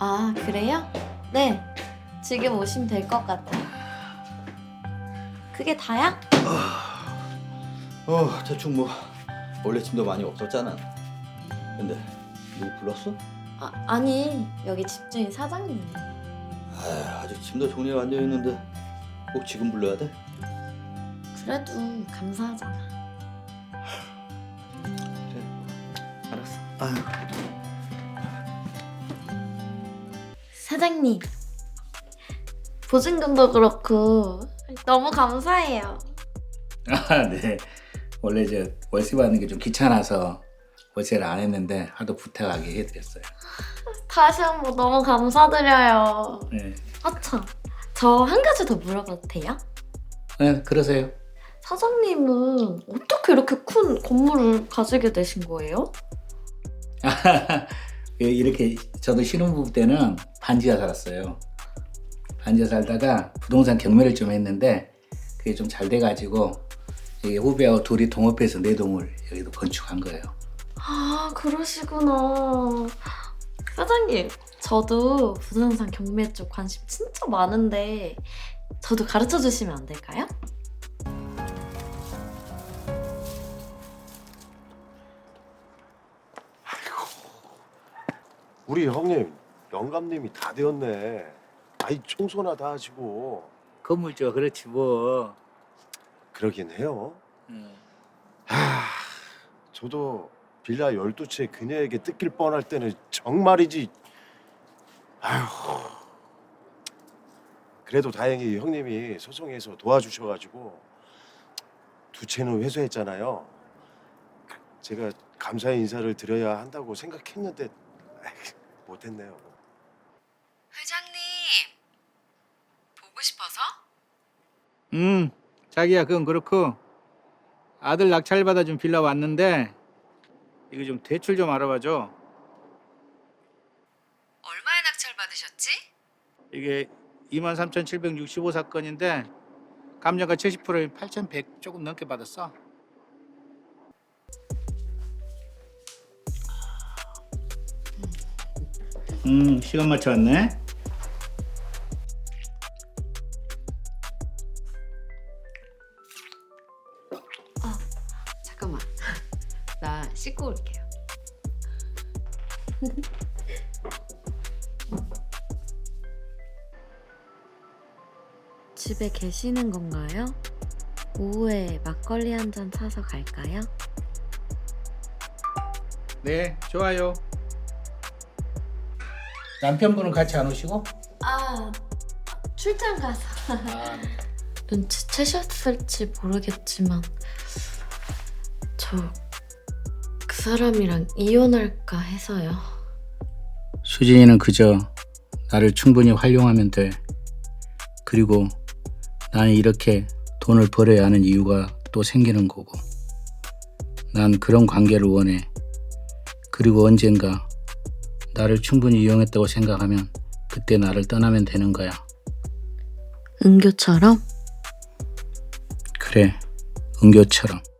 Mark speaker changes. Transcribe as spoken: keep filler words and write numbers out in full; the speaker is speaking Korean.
Speaker 1: 아, 그래요? 네, 지금 오시면 될 것 같아요. 그게 다야?
Speaker 2: 어 대충 뭐 원래 짐도 많이 없었잖아. 근데 누구 불렀어?
Speaker 1: 아, 아니, 여기 집주인 사장님.
Speaker 2: 아 아직 짐도 정리가 안 되어 있는데 꼭 지금 불러야 돼?
Speaker 1: 그래도 감사하잖아.
Speaker 2: 그래 알았어. 아유.
Speaker 1: 사장님, 보증금도 그렇고 너무 감사해요.
Speaker 3: 아, 네. 원래 저 월세 받는 게 좀 귀찮아서 월세를 안 했는데 하도 부탁하게 해드렸어요.
Speaker 1: 다시 한번 너무 감사드려요.
Speaker 3: 네.
Speaker 1: 아참, 저 한 가지 더 물어봐도 돼요?
Speaker 3: 네, 그러세요.
Speaker 1: 사장님은 어떻게 이렇게 큰 건물을 가지게 되신 거예요?
Speaker 3: 이렇게 저도 신혼부부 때는 반지하 살았어요. 반지하 살다가 부동산 경매를 좀 했는데 그게 좀 잘 돼가지고 이게 후배하고 둘이 동업해서 내 동을 여기도 건축한 거예요.
Speaker 1: 아, 그러시구나. 사장님, 저도 부동산 경매 쪽 관심 진짜 많은데 저도 가르쳐 주시면 안 될까요?
Speaker 4: 우리 형님, 영감님이 다 되었네. 아이 청소나 다 하시고.
Speaker 3: 건물죠, 그렇지 뭐.
Speaker 4: 그러긴 해요.
Speaker 3: 음.
Speaker 4: 하, 저도 빌라 열두 채 그녀에게 뜯길 뻔할 때는 정말이지. 아휴. 그래도 다행히 형님이 소송해서 도와주셔가지고 두 채는 회수했잖아요. 제가 감사의 인사를 드려야 한다고 생각했는데 에이, 못했네요.
Speaker 5: 회장님, 보고 싶어서?
Speaker 3: 음, 자기야 그건 그렇고 아들 낙찰 받아준 빌라 왔는데 이거 좀 대출 좀 알아봐줘.
Speaker 5: 얼마에 낙찰 받으셨지?
Speaker 3: 이게 이만 삼천칠백육십오 사건인데 감정가 칠십 퍼센트인 팔천백 조금 넘게 받았어. 음, 시간 맞춰 왔네.
Speaker 5: 잠깐만, 나 씻고 올게요.
Speaker 1: 집에 계시는 건가요? 오후에 막걸리 한 잔 사서 갈까요?
Speaker 3: 네, 좋아요. 남편분은 같이 안 오시고?
Speaker 1: 아, 출장 가서.
Speaker 3: 아, 네.
Speaker 1: 눈치채셨을지 모르겠지만 저 그 사람이랑 이혼할까 해서요.
Speaker 3: 수진이는 그저 나를 충분히 활용하면 돼. 그리고 나는 이렇게 돈을 벌어야 하는 이유가 또 생기는 거고. 난 그런 관계를 원해. 그리고 언젠가 나를 충분히 이용했다고 생각하면 그때 나를 떠나면 되는 거야.
Speaker 1: 은교처럼?
Speaker 3: 그래, 은교처럼.